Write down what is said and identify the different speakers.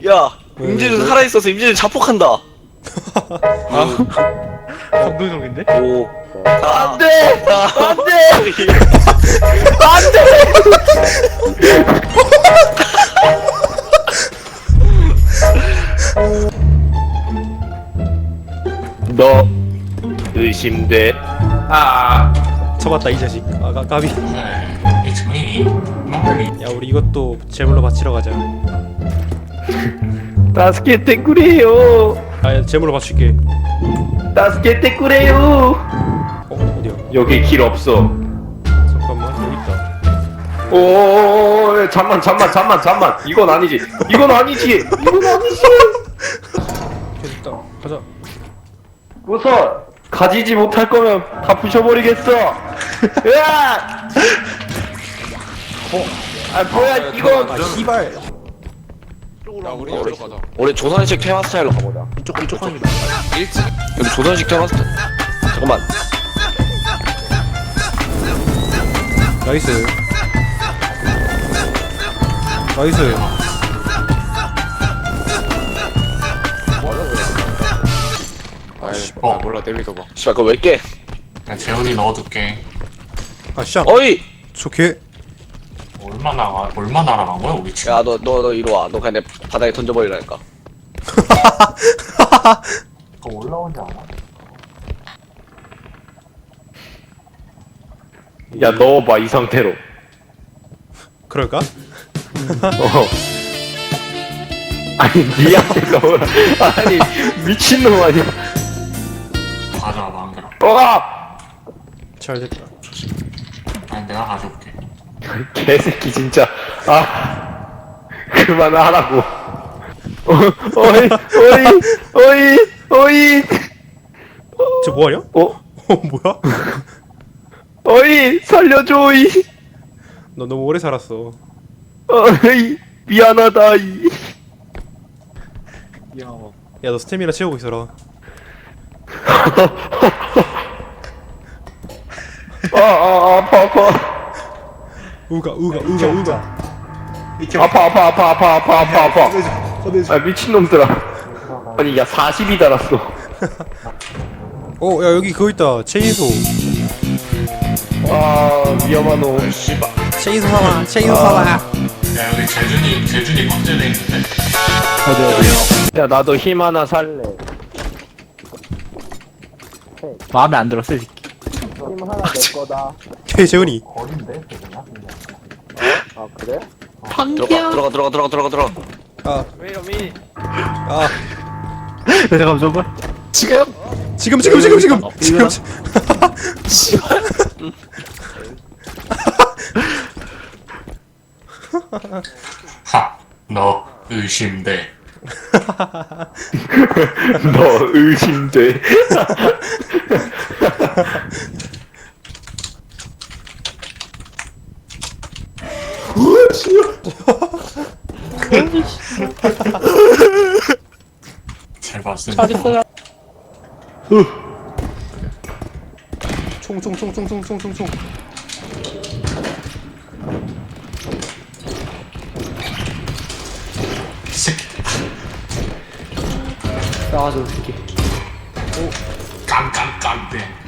Speaker 1: 야, 임진우 살아있어서 임진우 자폭한다.
Speaker 2: 아 감동적인데?
Speaker 1: 오. 안 돼! 안 돼! 안 돼! 너 의심돼.
Speaker 2: 쳐봤다 이 자식. 아 까비.
Speaker 3: It's me, Marty.
Speaker 2: 야 우리 이것도 제물로 바치러 가자.
Speaker 1: 다스케테 쿠레요.
Speaker 2: 아 제물로 바칠게.
Speaker 1: 다스케테 쿠레요.
Speaker 2: 어디야?
Speaker 1: 여기 길 없어.
Speaker 2: 잠깐만 여기 있다.
Speaker 1: 오, 잠만. 이건 아니지. 이건 아니지.
Speaker 2: 됐다. 가자.
Speaker 1: 우선 가지지 못할 거면 다 부셔버리겠어. 으악! 아 뭐야 이건.
Speaker 2: 아 씨발.
Speaker 4: 야 우리 여기로 가자.
Speaker 1: 우리 조선식 테마 스타일로 가보자.
Speaker 2: 이쪽 갑니다.
Speaker 4: 1층.
Speaker 1: 여기 조선식 테마 스타일. 잠깐만.
Speaker 2: 나이스. 나이스.
Speaker 4: 아 몰라 내밀어 봐.
Speaker 1: 씨발 그거 왜 깨?
Speaker 3: 야, 재훈이 넣어둘게.
Speaker 2: 아 샹.
Speaker 1: 어이.
Speaker 2: 좋게.
Speaker 3: 얼마나 날아간 거야 우리 지금?
Speaker 1: 야 너 이리 와. 너 그냥 내 바닥에 던져버리라니까.
Speaker 3: 그거 올라오지 않아?
Speaker 1: 야 넣어봐 이 상태로.
Speaker 2: 그럴까?
Speaker 1: 아니 니한테 넣어라. 아니 미친놈 아니야.
Speaker 3: 가져와 망그라.
Speaker 2: 잘 됐다.
Speaker 3: 아니 내가 가져올게.
Speaker 1: 개새끼 진짜. 그만하라고. 어이.
Speaker 2: 저 뭐하냐? 뭐야?
Speaker 1: 어이 살려줘이.
Speaker 2: 너 너무 오래 살았어.
Speaker 1: 어이 미안하다이.
Speaker 2: 야 너 스태미나 채우고 있어라.
Speaker 1: 아파.
Speaker 2: 우가.
Speaker 1: 아파. 아 미친놈들아. 아니 야 40이 달았어.
Speaker 2: 야 여기 그거 있다. 체인소.
Speaker 1: 위험한 놈. 씨발.
Speaker 2: 체인소 사봐.
Speaker 3: 야 여기 재준이 박제돼 있는데?
Speaker 1: 어디요? 야 나도 힘 하나 살래.
Speaker 5: 마음에 안 들었어, 이 새끼.
Speaker 1: 힘 하나 내 거다.
Speaker 2: 재훈이.
Speaker 3: 어린데 재준아?
Speaker 1: 아 그래?
Speaker 5: 방귀야.
Speaker 1: 들어가.
Speaker 2: 아.
Speaker 1: 왜요 미?
Speaker 2: 아.
Speaker 5: 잠깐만.
Speaker 2: 지금.
Speaker 3: 하! 너 의심돼.
Speaker 1: 너 의심돼.
Speaker 3: 잘 봤어.
Speaker 5: 잘했어요.
Speaker 2: 총.
Speaker 3: 새끼.
Speaker 5: 나와줘, 이 새끼.
Speaker 3: 깜깜깜대.